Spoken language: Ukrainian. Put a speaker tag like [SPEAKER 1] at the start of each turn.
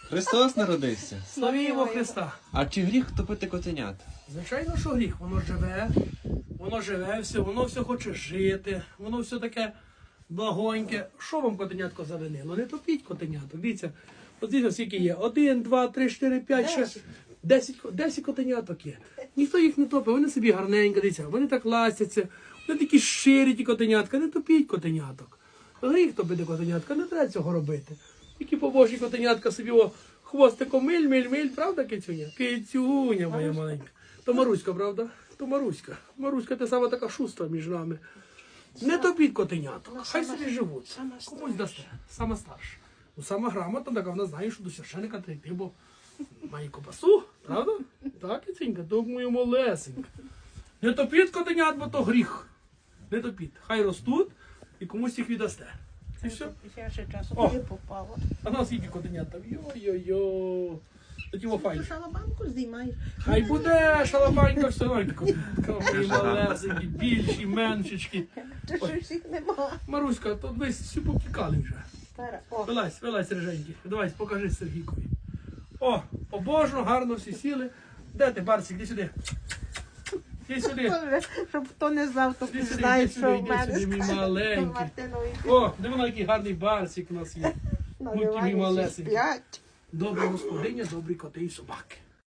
[SPEAKER 1] Христос народився.
[SPEAKER 2] Славімо Христа.
[SPEAKER 1] А чи гріх топити котенят?
[SPEAKER 2] Звичайно, що гріх. Воно живе все, воно все хоче жити, воно все таке благоньке. Що вам котенятко завинило? Не топіть котеняток. Дивіться, от дивіться, скільки є. 1, 2, 3, 4, 5, 6, 10 котеняток є. Ніхто їх не топить, вони собі гарненько, дивіться, вони так ластяться, вони такі щирі ті котенятка, не топіть котеняток. Гріх топити котенятка, не треба цього робити. Які побожні котенятка собі хвостиком миль, правда, Кицюня? Кицюня моя маленька. То Маруська, правда? То Маруська. Маруська, ти сама така шустра між нами. Не топіть котеняток, хай собі живуть. Комусь дасте. Сама старша. Ну, сама грамотна, така вона знає, що до священика треба йти, бо має копасу, правда? Так, Кицюнька, то моя малесенька. Не топіть котенят, бо то гріх. Не топіть. Хай ростуть і комусь їх віддасте. І все.
[SPEAKER 3] Я ще часом
[SPEAKER 2] О.
[SPEAKER 3] не попала.
[SPEAKER 2] А нас скільки котенят там? Йо-йо-йо. Тоді файно.
[SPEAKER 3] Ти шалабанку знімаєш.
[SPEAKER 2] Хай буде шалабанька, все котенятка. Мої малесенькі, більші, меншечки.
[SPEAKER 3] Ти щось їх нема.
[SPEAKER 2] Маруська, то ви всі повтікали вже.
[SPEAKER 3] Стара. О,
[SPEAKER 2] Вилазь, реженьки. Давай, покажи Сергійкові. О, побожно, гарно всі сіли. Де ти, Барсик, іди сюди. Іди сюди.
[SPEAKER 3] Боже, щоб хто не знав, то
[SPEAKER 2] Іди сюди,
[SPEAKER 3] знає,
[SPEAKER 2] іди
[SPEAKER 3] що
[SPEAKER 2] сюди,
[SPEAKER 3] в
[SPEAKER 2] іди
[SPEAKER 3] мене
[SPEAKER 2] сюди, мій маленький.
[SPEAKER 3] Мартинові
[SPEAKER 2] О, диви на який гарний Барсик у нас є. Будьте мій
[SPEAKER 3] наливають,
[SPEAKER 2] малесенький.
[SPEAKER 3] сплять.
[SPEAKER 2] Добра господиня, добрі коти і собаки.